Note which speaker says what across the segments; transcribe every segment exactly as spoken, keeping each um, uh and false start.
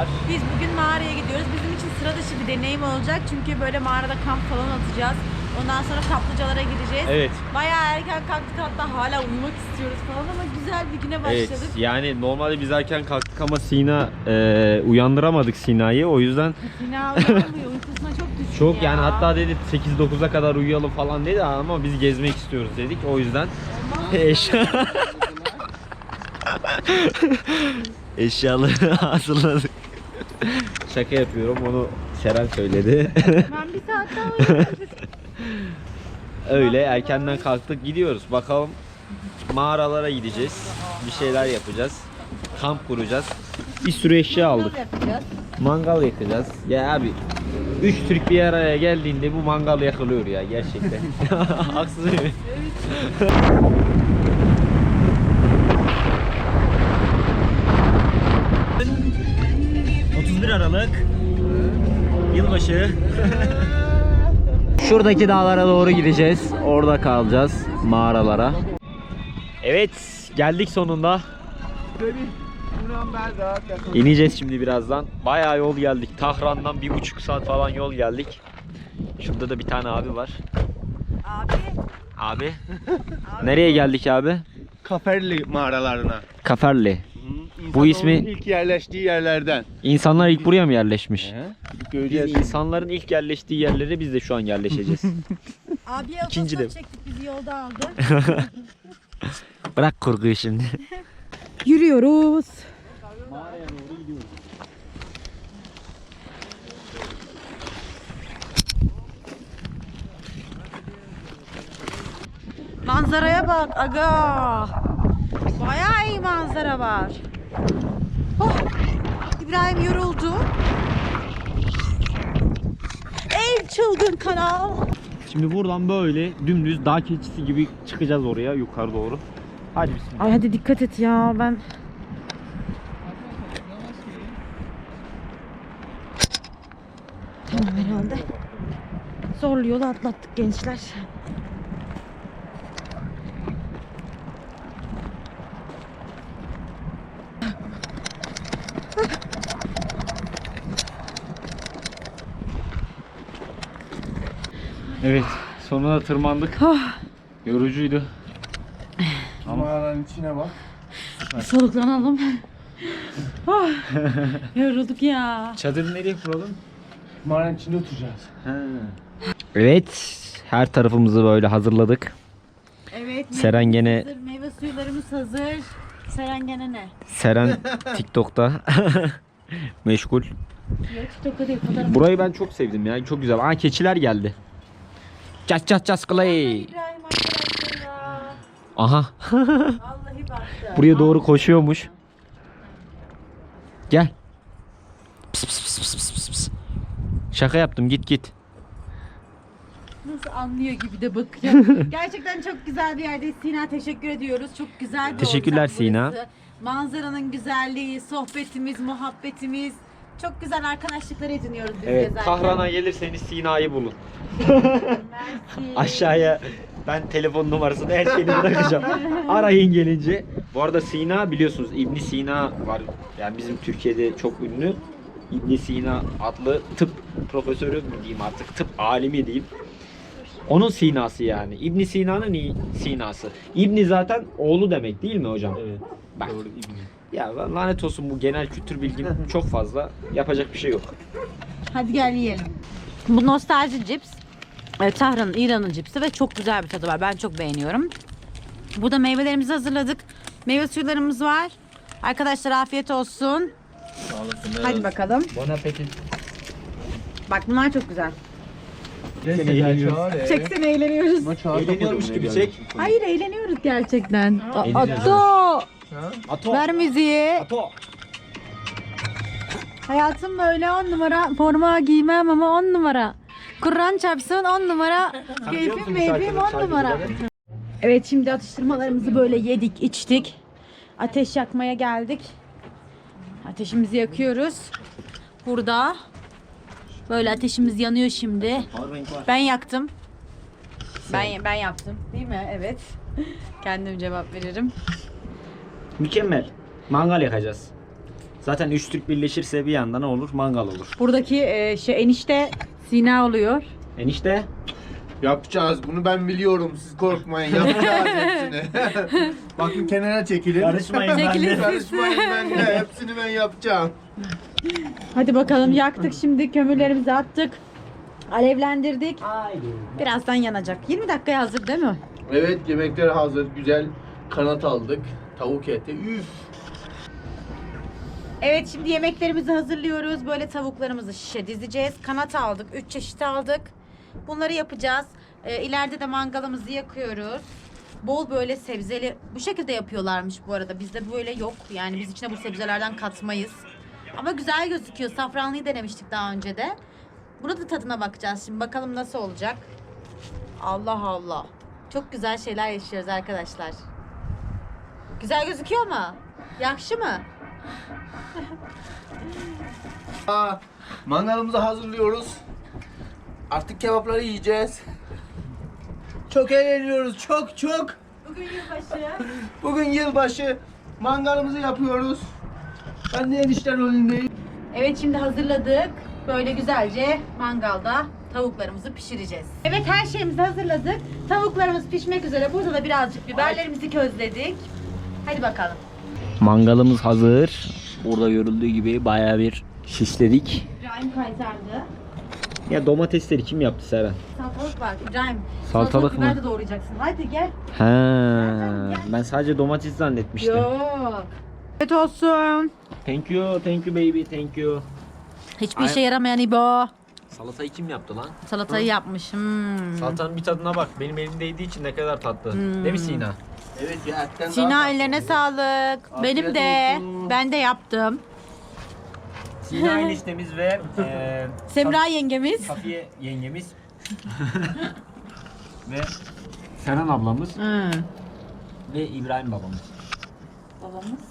Speaker 1: Merhabalar.
Speaker 2: Biz bugün mağaraya gidiyoruz. Bizim için sıra dışı bir deneyim olacak. Çünkü böyle mağarada kamp falan atacağız. Ondan sonra kaplıcalara gideceğiz.
Speaker 1: Evet.
Speaker 2: Bayağı erken kalktık, hatta hala uyumak istiyoruz falan ama güzel bir güne başladık.
Speaker 1: Evet, yani normalde biz erken kalktık ama Sina e, uyandıramadık Sina'yı, o yüzden
Speaker 2: Sina uyanmıyor, uykusuna çok düşkün
Speaker 1: çok
Speaker 2: ya.
Speaker 1: yani hatta dedi sekiz dokuza kadar uyuyalım falan dedi ama biz gezmek istiyoruz dedik, o yüzden eşya eşyaları hazırladık. Şaka yapıyorum, onu Seren söyledi.
Speaker 2: Ben bir saat daha uyuyorum.
Speaker 1: Öyle erkenden kalktık, gidiyoruz bakalım, mağaralara gideceğiz, bir şeyler yapacağız, kamp kuracağız, bir sürü eşya aldık,
Speaker 2: Yapacağız.
Speaker 1: mangal yakacağız. Ya abi, üç Türk bir araya geldiğinde bu mangal yakılıyor ya gerçekten. Haksız mıyım? otuz bir Aralık yılbaşı. Şuradaki dağlara doğru gideceğiz. Orada kalacağız, mağaralara. Evet, geldik sonunda. İneceğiz şimdi birazdan. Bayağı yol geldik. Tahran'dan bir buçuk saat falan yol geldik. Şurada da bir tane abi var.
Speaker 2: Abi.
Speaker 1: Abi. Nereye geldik abi?
Speaker 3: Kaferli mağaralarına.
Speaker 1: Kaferli.
Speaker 3: Hı,
Speaker 1: Bu ismi
Speaker 3: ilk yerleştiği yerlerden.
Speaker 1: insanlar ilk buraya mı yerleşmiş?
Speaker 3: He?
Speaker 1: Biz
Speaker 3: Göreceğiz.
Speaker 1: insanların ilk yerleştiği yerlere biz de şu an yerleşeceğiz.
Speaker 2: Abiye
Speaker 1: İkinci
Speaker 2: otostop
Speaker 1: de.
Speaker 2: çektik, bizi yolda aldı.
Speaker 1: Bırak kurguyu şimdi.
Speaker 2: Yürüyoruz. Manzaraya bak aga. Bayağı iyi manzara var. Oh, İbrahim yoruldu. Ey çılgın kanal.
Speaker 1: Şimdi buradan böyle dümdüz dağ keçisi gibi çıkacağız oraya yukarı doğru. Hadi bismillah.
Speaker 2: Ay hadi dikkat et ya, ben tamam herhalde. Zorlu yolu atlattık gençler.
Speaker 1: Evet, sonunda tırmandık. Yorucuydu.
Speaker 3: Mağaranın içine bak.
Speaker 2: Soluklanalım. Oh, yorulduk ya.
Speaker 1: Çadırı nereye kuralım?
Speaker 3: Mağaranın içinde oturacağız.
Speaker 1: Evet, her tarafımızı böyle hazırladık.
Speaker 2: Evet.
Speaker 1: Seren
Speaker 2: meyvemiz
Speaker 1: gene-
Speaker 2: hazır, meyve suyularımız hazır. Seren gene ne?
Speaker 1: Seren TikTok'ta meşgul.
Speaker 2: Yok TikTok'ta değil, fotoğraf.
Speaker 1: Burayı ben çok sevdim ya, çok güzel. Aa, keçiler geldi. Çat çat çat clay.
Speaker 2: İbrahim arkadaşlar ya.
Speaker 1: Aha.
Speaker 2: Vallahi baktı.
Speaker 1: Buraya doğru koşuyormuş. Gel. Pıs pıs pıs pıs pıs pıs pıs. Şaka yaptım, git git.
Speaker 2: Nasıl anlıyor gibi de bakıyor. Gerçekten çok güzel bir yerdeyiz. Sina, teşekkür ediyoruz. Çok güzel bir
Speaker 1: Teşekkürler
Speaker 2: ortam
Speaker 1: Sina.
Speaker 2: burası. Manzaranın güzelliği, sohbetimiz, muhabbetimiz. Çok güzel arkadaşlıklar ediniyoruz biz
Speaker 1: Evet,
Speaker 2: gezerken.
Speaker 1: Tahran'a gelirseniz Sina'yı bulun.
Speaker 2: Mersi.
Speaker 1: Aşağıya ben telefon numarasını, her şeyini bırakacağım. Arayın gelince. Bu arada Sina, biliyorsunuz İbn Sina var. Yani bizim Türkiye'de çok ünlü. İbn Sina adlı tıp profesörü mü diyeyim artık, tıp alimi diyeyim. Onun Sina'sı yani. İbn Sina'nın i- Sina'sı. İbni zaten oğlu demek değil mi hocam?
Speaker 3: Evet.
Speaker 1: Bak.
Speaker 3: Doğru İbni.
Speaker 1: Ya lanet olsun, bu genel kültür bilgim çok fazla. Yapacak bir şey yok.
Speaker 2: Hadi gel yiyelim. Bu nostalji cips. e, Tahran'ın, İran'ın cipsi ve çok güzel bir tadı var. Ben çok beğeniyorum. Burada meyvelerimizi hazırladık. Meyve suyularımız var. Arkadaşlar afiyet olsun.
Speaker 3: Sağ olasın.
Speaker 2: Hadi bakalım.
Speaker 1: Bon appetit.
Speaker 2: Bak bunlar çok güzel.
Speaker 3: Seni eğleniyoruz.
Speaker 2: Çeksene, eğleniyoruz.
Speaker 1: Eğleniyormuş gibi çek.
Speaker 2: Hayır, eğleniyoruz gerçekten.
Speaker 1: Eğleniyoruz.
Speaker 2: Ato!
Speaker 1: Ato.
Speaker 2: Ver müziği.
Speaker 1: Ato.
Speaker 2: Hayatım böyle on numara. Forma giymem ama on numara. Kur'an çarpsın on numara. Keyfim meyfim on numara. Evet, şimdi atıştırmalarımızı böyle yedik, içtik. Ateş yakmaya geldik. Ateşimizi yakıyoruz. Burada. Böyle ateşimiz yanıyor şimdi. Ben yaktım. Ben ben yaptım. Değil mi? Evet. Kendim cevap veririm.
Speaker 1: Mükemmel. Mangal yakacağız. Zaten üç Türk birleşirse bir yanda ne olur? Mangal olur.
Speaker 2: Buradaki e, şey enişte Sina oluyor.
Speaker 1: Enişte
Speaker 3: Yapacağız. Bunu ben biliyorum. Siz korkmayın. Yapacağız hepsini. Bakın kenara çekilin.
Speaker 1: karışmayın
Speaker 2: Çekilin.
Speaker 1: ben de.
Speaker 3: Karışmayın ben de. Hepsini ben yapacağım.
Speaker 2: Hadi bakalım yaktık şimdi kömürlerimizi attık. Alevlendirdik.
Speaker 1: Haydi.
Speaker 2: Birazdan yanacak. yirmi dakikaya hazır değil mi?
Speaker 3: Evet, yemekler hazır. Güzel kanat aldık. Tavuk eti. Üf.
Speaker 2: Evet şimdi yemeklerimizi hazırlıyoruz. Böyle tavuklarımızı şişe dizeceğiz. Kanat aldık. üç çeşit aldık. Bunları yapacağız. Ee, ileride de mangalımızı yakıyoruz. Bol böyle sebzeli. Bu şekilde yapıyorlarmış bu arada. Bizde böyle yok. Yani biz içine bu sebzelerden katmayız. Ama güzel gözüküyor. Safranlıyı denemiştik daha önce de. Bunu da tadına bakacağız şimdi. Bakalım nasıl olacak. Allah Allah. Çok güzel şeyler yaşıyoruz arkadaşlar. Güzel gözüküyor mu? Yakşı mı?
Speaker 3: Aa, mangalımızı hazırlıyoruz. Artık kebapları yiyeceğiz. Çok eğleniyoruz. Çok çok.
Speaker 2: Bugün yılbaşı.
Speaker 3: Bugün yılbaşı. Mangalımızı yapıyoruz. Ben de enişte rolündeyim.
Speaker 2: Evet şimdi hazırladık. Böyle güzelce mangalda tavuklarımızı pişireceğiz. Evet her şeyimizi hazırladık. Tavuklarımız pişmek üzere. Burada da birazcık biberlerimizi közledik. Hadi bakalım.
Speaker 1: Mangalımız hazır. Burada görüldüğü gibi bayağı bir şişledik.
Speaker 2: İbrahim kaytardı.
Speaker 1: Ya domatesleri kim yaptı Seren?
Speaker 2: Salatalık var İbrahim.
Speaker 1: Salatalık mı?
Speaker 2: biber de doğrayacaksın. Hadi gel.
Speaker 1: He, ben sadece domates zannetmiştim.
Speaker 2: Yok. Evet olsun.
Speaker 1: Thank you, thank you baby, thank you.
Speaker 2: Hiçbir
Speaker 1: Ay-
Speaker 2: işe yaramayan İbo.
Speaker 1: Salatayı kim yaptı lan?
Speaker 2: Salatayı yapmış. Hmm.
Speaker 1: Salatanın bir tadına bak. Benim elimde yediği için ne kadar tatlı.
Speaker 2: Hmm.
Speaker 1: Değil mi Sina?
Speaker 3: Evet ya, etten daha
Speaker 2: Sina
Speaker 3: tatlı.
Speaker 2: ellerine sağlık.
Speaker 3: Afiyet
Speaker 2: Benim de.
Speaker 3: olsun.
Speaker 2: Ben de yaptım.
Speaker 1: Sina eniştemiz ve eee
Speaker 2: Semra yengemiz.
Speaker 1: Safiye yengemiz ve Seren ablamız
Speaker 2: Hmm.
Speaker 1: ve İbrahim babamız.
Speaker 2: Babamız.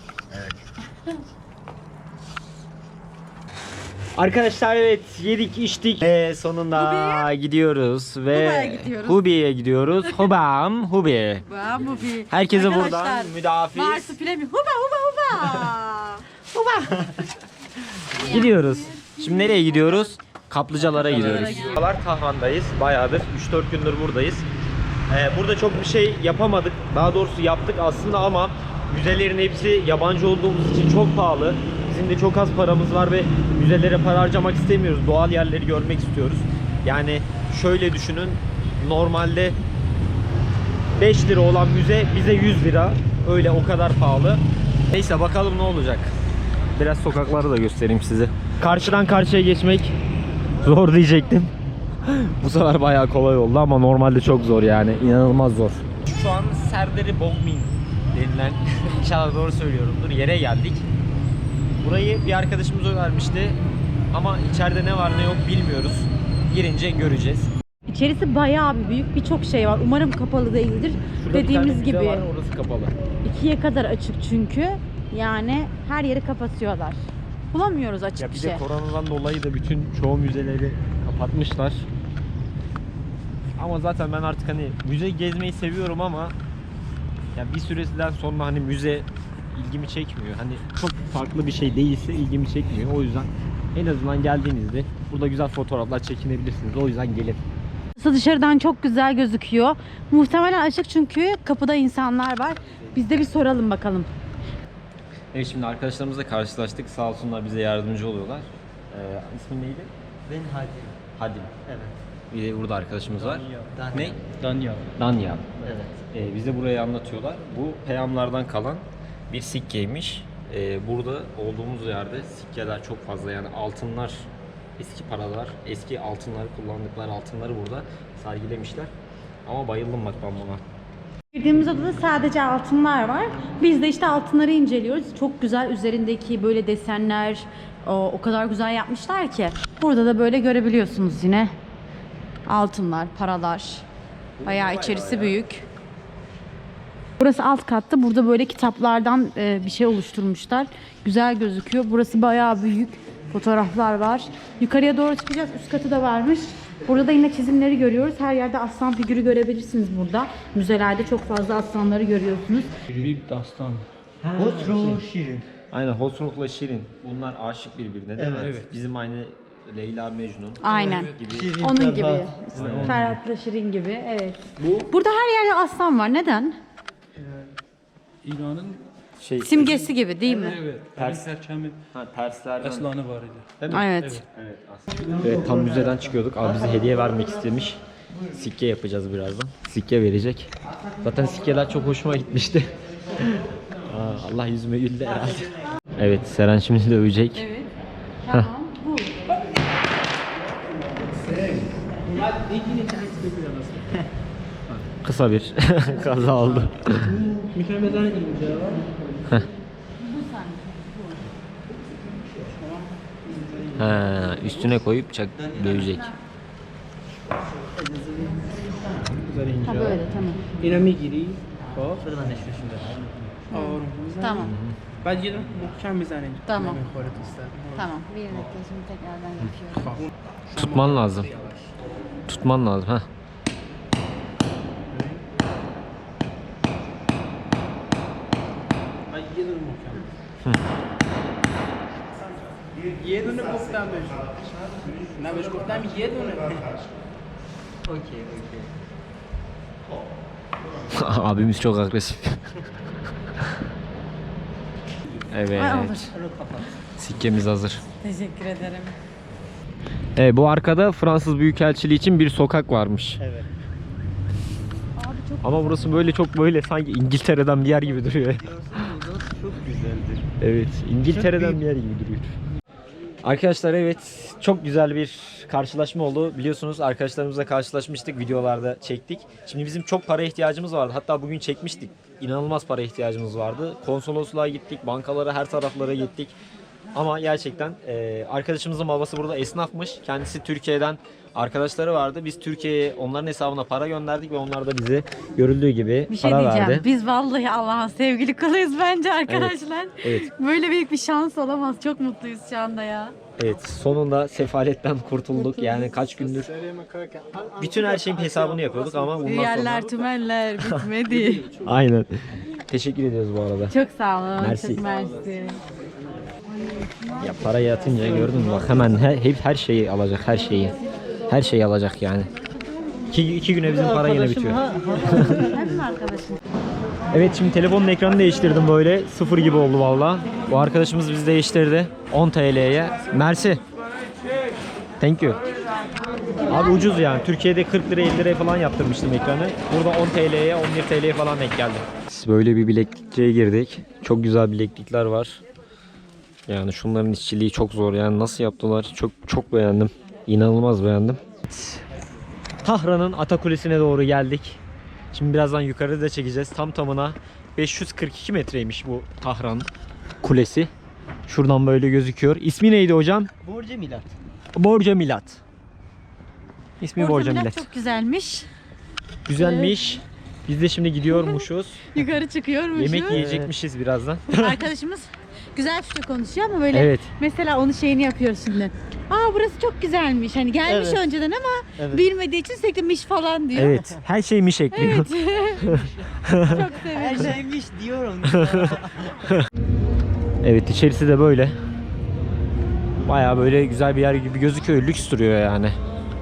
Speaker 1: Arkadaşlar evet yedik içtik ve sonunda gidiyoruz
Speaker 2: Huba'ya
Speaker 1: ve
Speaker 2: gidiyoruz.
Speaker 1: Hubi'ye gidiyoruz. Hubam Hubi.
Speaker 2: Bu bir.
Speaker 1: Herkese
Speaker 2: Arkadaşlar,
Speaker 1: buradan müdafiz.
Speaker 2: Marsupilami. Huba huba huba.
Speaker 1: Gidiyoruz. Şimdi nereye gidiyoruz? Kaplıcalara gidiyoruz.
Speaker 2: gidiyoruz.
Speaker 1: Kaplıcalar Tahran'dayız. Bayağıdır üç dört gündür buradayız. Ee, burada çok bir şey yapamadık. Daha doğrusu yaptık aslında ama müzelerin hepsi yabancı olduğumuz için çok pahalı. Bizim de çok az paramız var ve müzelere para harcamak istemiyoruz. Doğal yerleri görmek istiyoruz. Yani şöyle düşünün. Normalde beş lira olan müze bize yüz lira. Öyle o kadar pahalı. Neyse bakalım ne olacak. Biraz sokakları da göstereyim size. Karşıdan karşıya geçmek zor diyecektim. Bu sefer bayağı kolay oldu ama normalde çok zor yani. İnanılmaz zor. Şu an Serderi Bogmin denilen inşallah doğru söylüyorumdur. Yere geldik. Burayı bir arkadaşımız önermişti. Ama içeride ne var ne yok bilmiyoruz. Girince göreceğiz.
Speaker 2: İçerisi bayağı bir büyük, birçok şey var. Umarım kapalı değildir.
Speaker 1: Şurada bir
Speaker 2: Dediğimiz
Speaker 1: tane müze
Speaker 2: gibi
Speaker 1: var, orası kapalı.
Speaker 2: ikiye kadar açık çünkü. Yani her yeri kapatıyorlar. Bulamıyoruz açık
Speaker 1: Ya
Speaker 2: bir
Speaker 1: bir
Speaker 2: şey.
Speaker 1: de koronadan dolayı da bütün çoğu müzeleri kapatmışlar. Ama zaten ben artık hani müze gezmeyi seviyorum ama ya bir süresinden sonra hani müze ilgimi çekmiyor. Hani çok farklı bir şey değilse ilgimi çekmiyor. O yüzden en azından geldiğinizde burada güzel fotoğraflar çekinebilirsiniz. O yüzden gelin.
Speaker 2: Burası dışarıdan çok güzel gözüküyor. Muhtemelen açık çünkü kapıda insanlar var. Biz de bir soralım bakalım.
Speaker 1: Evet şimdi arkadaşlarımızla karşılaştık. Sağ olsunlar bize yardımcı oluyorlar. Ee, ismin neydi?
Speaker 4: Ben Hadi.
Speaker 1: Hadim.
Speaker 4: Evet.
Speaker 1: Bir de burada arkadaşımız var.
Speaker 4: Danya.
Speaker 1: Ne?
Speaker 4: Danya.
Speaker 1: Danya.
Speaker 4: Evet.
Speaker 1: Ee, bize burayı anlatıyorlar. Bu peyamlardan kalan bir sikkeymiş. Ee, burada olduğumuz yerde sikkeler çok fazla yani altınlar, eski paralar, eski altınları kullandıkları altınları burada sergilemişler. Ama bayıldım bak ben buna.
Speaker 2: Girdiğimiz odada sadece altınlar var. Biz de işte altınları inceliyoruz. Çok güzel üzerindeki böyle desenler o, o kadar güzel yapmışlar ki. Burada da böyle görebiliyorsunuz yine. Altınlar, paralar. Bayağı içerisi büyük. Burası alt katta. Burada böyle kitaplardan e, bir şey oluşturmuşlar. Güzel gözüküyor. Burası bayağı büyük. Fotoğraflar var. Yukarıya doğru çıkacağız. Üst katı da varmış. Burada da yine çizimleri görüyoruz. Her yerde aslan figürü görebilirsiniz burada. Müzelerde çok fazla aslanları görüyorsunuz.
Speaker 4: Büyük dastan.
Speaker 3: Otro şirin.
Speaker 1: Aynen Hoşnuk'la Şirin. Bunlar aşık birbirine değil mi?
Speaker 4: Evet.
Speaker 1: Bizim aynı Leyla Mecnun
Speaker 2: Aynen.
Speaker 1: gibi.
Speaker 2: Onun gibi. Ferhat'la Şirin gibi. Evet. Burada her yerde aslan var. Neden?
Speaker 4: İran'ın
Speaker 1: Şey,
Speaker 2: Simgesi gibi değil mi?
Speaker 4: evet,
Speaker 1: Ters.
Speaker 4: ters perçemi
Speaker 1: ha, terslerden.
Speaker 4: aslanı var idi.
Speaker 1: Değil mi?
Speaker 2: Evet.
Speaker 1: Evet, aslında. Evet, tam müzeden çıkıyorduk. Abi bize hediye vermek istemiş. Sikke yapacağız birazdan. Sikke verecek. Zaten sikkeler çok hoşuma gitmişti. Aa, Allah yüzüme güldü herhalde. Evet, Seren şimdi dövecek.
Speaker 2: Evet. Tamam. Bu.
Speaker 1: Kısa bir kaza oldu. Ha, üstüne koyup çak dövecek.
Speaker 2: Ha böyle tamam.
Speaker 5: اینا میگیری خب آروم میزنی
Speaker 2: Tamam.
Speaker 5: بعد یه دونه محکم میزنی
Speaker 2: Tamam.
Speaker 5: نمیخوره تو سر
Speaker 2: Tamam. Bir dakika şimdi tekrardan yapıyorum.
Speaker 1: Tutman lazım. Tutman lazım ha.
Speaker 5: بعد یه دونه محکم یه دونه گفتم بهش نه بهش گفتم یه دونه اوکی اوکی
Speaker 1: Abimiz çok agresif. Evet.
Speaker 2: Ay, olur.
Speaker 1: Sikkemiz hazır.
Speaker 2: Teşekkür ederim.
Speaker 1: Evet, bu arkada Fransız Büyükelçiliği için bir sokak varmış.
Speaker 5: Evet.
Speaker 2: Abi çok
Speaker 1: Ama burası böyle çok böyle sanki İngiltere'den bir yer gibi duruyor.
Speaker 5: çok güzeldir.
Speaker 1: Evet, İngiltere'den bir yer gibi duruyor. Arkadaşlar evet, çok güzel bir karşılaşma oldu. Biliyorsunuz arkadaşlarımızla karşılaşmıştık, videolarda çektik. Şimdi bizim çok para ihtiyacımız vardı. Hatta bugün çekmiştik. İnanılmaz para ihtiyacımız vardı. Konsolosluğa gittik, bankalara, her taraflara gittik. Ama gerçekten e, arkadaşımızın babası burada esnafmış. Kendisi Türkiye'den arkadaşları vardı. Biz Türkiye'ye onların hesabına para gönderdik ve onlar da bize görüldüğü gibi
Speaker 2: bir şey
Speaker 1: para
Speaker 2: diyeceğim.
Speaker 1: verdi.
Speaker 2: Biz vallahi Allah'ın sevgili kuluyuz bence arkadaşlar.
Speaker 1: Evet.
Speaker 2: Böyle büyük bir şans olamaz. Çok mutluyuz şu anda ya.
Speaker 1: Evet, sonunda sefaletten kurtulduk. Yani kaç gündür bütün her şeyin hesabını yapıyorduk ama bundan sonra...
Speaker 2: Yerler, tümeller bitmedi.
Speaker 1: Aynen. Teşekkür ediyoruz bu arada.
Speaker 2: Çok sağ olun.
Speaker 1: Merci.
Speaker 2: Çok mersi.
Speaker 1: Ya parayı atınca gördün mü bak hemen her, hep her şeyi alacak, her şeyi. Her şeyi alacak yani. İki, iki güne bizim para yine bitiyor.
Speaker 2: Hem mi arkadaşım?
Speaker 1: Evet, şimdi telefonun ekranını değiştirdim böyle. Sıfır gibi oldu valla. Bu arkadaşımız bizi değiştirdi. on T L'ye. Mersi. Thank you. Abi ucuz yani. Türkiye'de kırk lira elli liraya falan yaptırmıştım ekranı. Burada on T L'ye on bir T L'ye falan denk geldi. Böyle bir bileklikçiye girdik. Çok güzel bileklikler var. Yani şunların işçiliği çok zor. Yani nasıl yaptılar? Çok çok beğendim. İnanılmaz beğendim. Tahran'ın Atakulesi'ne doğru geldik. Şimdi birazdan yukarıda çekeceğiz. Tam tamına beş yüz kırk iki metreymiş bu Tahran Kulesi. Şuradan böyle gözüküyor. İsmi neydi hocam?
Speaker 5: برج میلاد
Speaker 1: Borca Milat. İsmi
Speaker 2: Borca
Speaker 1: Borca
Speaker 2: Milat
Speaker 1: Milat.
Speaker 2: çok güzelmiş.
Speaker 1: Güzelmiş. Biz de şimdi gidiyormuşuz.
Speaker 2: Yukarı çıkıyormuşuz.
Speaker 1: Yemek yiyecekmişiz birazdan.
Speaker 2: Arkadaşımız güzel Türkçe konuşuyor ama böyle
Speaker 1: Evet.
Speaker 2: mesela onun şeyini yapıyoruz şimdi. Aa burası çok güzelmiş. Hani gelmiş
Speaker 5: Evet.
Speaker 2: önceden ama
Speaker 5: Evet.
Speaker 2: bilmediği için sürekli miş falan diyor.
Speaker 1: Evet. Her şeymiş ekliyor.
Speaker 2: Çok
Speaker 5: her
Speaker 2: sevindim.
Speaker 5: şeymiş diyorum.
Speaker 1: Evet, içerisi de böyle. Bayağı böyle güzel bir yer gibi gözüküyor. Lüks duruyor yani.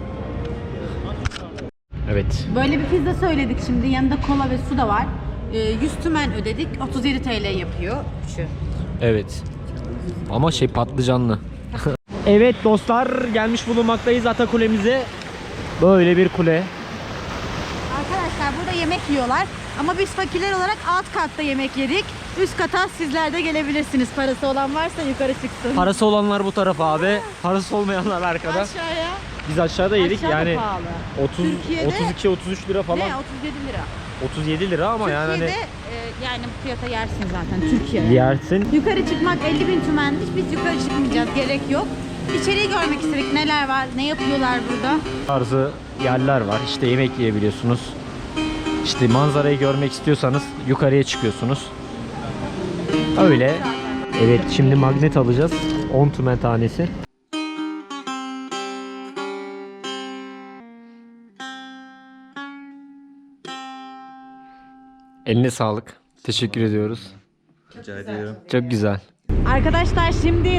Speaker 1: Evet.
Speaker 2: Böyle bir pizza söyledik şimdi. Yanında kola ve su da var. Ee, yüz tümen ödedik. otuz yedi T L yapıyor. Üçü.
Speaker 1: Evet. Ama şey patlıcanlı. Evet dostlar, gelmiş bulunmaktayız Atakule'mize. Böyle bir kule.
Speaker 2: Arkadaşlar burada yemek yiyorlar. Ama biz fakirler olarak alt katta yemek yedik. Üst kata sizler de gelebilirsiniz. Parası olan varsa yukarı çıksın.
Speaker 1: Parası olanlar bu tarafa abi. Parası olmayanlar arkada.
Speaker 2: Aşağıya.
Speaker 1: Biz aşağıda yedik
Speaker 2: Aşağıda
Speaker 1: yani
Speaker 2: pahalı.
Speaker 1: otuz
Speaker 2: Türkiye'de-
Speaker 1: otuz iki otuz üç lira falan.
Speaker 2: Ne? otuz yedi lira.
Speaker 1: otuz yedi lira ama yani
Speaker 2: Türkiye'de
Speaker 1: hani
Speaker 2: e, yani bu fiyata yersin zaten Türkiye'de.
Speaker 1: yersin.
Speaker 2: Yukarı çıkmak elli bin tümenmiş. Biz yukarı çıkmayacağız. Gerek yok. İçeriği görmek istedik. Neler var? Ne yapıyorlar burada?
Speaker 1: Tarzı yerler var. İşte yemek yiyebiliyorsunuz. İşte manzarayı görmek istiyorsanız yukarıya çıkıyorsunuz. Öyle. Evet, şimdi magnet alacağız. on tümen tanesi. Eline sağlık. Teşekkür ediyoruz.
Speaker 3: Rica ediyorum.
Speaker 1: Çok güzel.
Speaker 2: Arkadaşlar şimdi